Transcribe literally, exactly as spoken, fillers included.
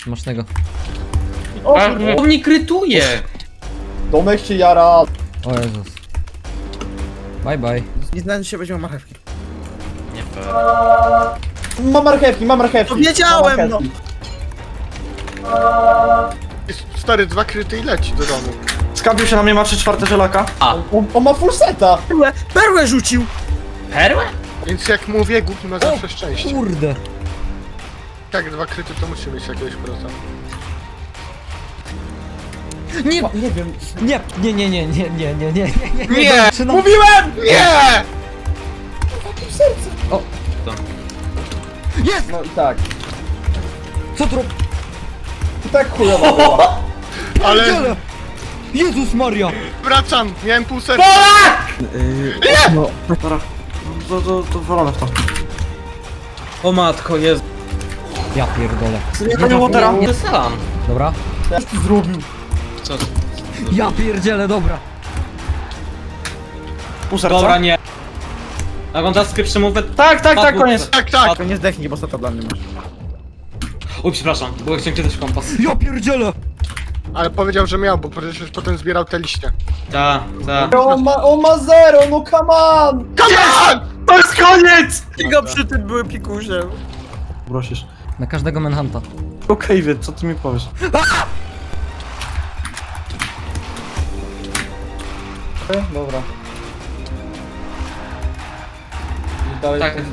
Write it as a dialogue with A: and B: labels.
A: Smacznego.
B: O,
C: A,
B: kurde.
C: on mnie krytuje!
B: Domek się jara.
A: O Jezus. Bye bye.
D: Nie znajdę się, weźmie marchewki.
C: Nie fair.
B: Mam marchewki, mam marchewki.
D: To wiedziałem,
B: Mam
D: no.
B: marchewki.
E: Jest stary, dwa kryty i leci do domu.
F: Skapił się na mnie, ma trzy czwarte żelaka.
B: On, on ma full seta.
D: Perłę, perłę rzucił!
C: Perłę?
E: Więc jak mówię, głupi ma zawsze szczęście.
A: Kurde.
E: Jak dwa kryty, to musi mieć jakiegoś proca.
A: Nie,
B: Nie wiem.
A: nie, nie, nie, nie, nie, nie, nie, nie, nie, nie.
E: Nie!
A: Zaczynam-
E: Mówiłem! Nie!
B: No i tak.
A: Co tu rob...
B: I tak chujowo było.
E: Ale
A: Pierdziele! Jezus Maria!
E: wracam, miałem pół serca.
F: Yy, no, dobra. To, to, to wolone w to.
G: O matko, jest.
A: Ja pierdolę.
F: Nie panią Watera.
C: Nie sam.
A: Dobra.
B: Jak ty zrobił?
C: Co?
A: Ja pierdzielę, dobra.
F: Pół serca.
G: Dobra, nie. Oglądasz skrypszy mówę?
F: Tak, tak, tak, koniec.
E: Tak, tak.
D: To nie zdechnij, bo seta dla mnie masz.
G: Oj, przepraszam, bo chciałem kiedyś kompas.
A: Ja pierdzielę!
E: Ale powiedział, że miał, bo przecież potem zbierał te liście.
G: Ta, ta.
B: On ma, on ma zero, no come on!
E: Come on!
F: To jest koniec!
D: Tylko przy tym były pikusze.
F: Prosisz.
A: Na każdego manhunta.
F: Okej, wie, co ty mi powiesz?
B: Dobra. I dalej
G: Tak,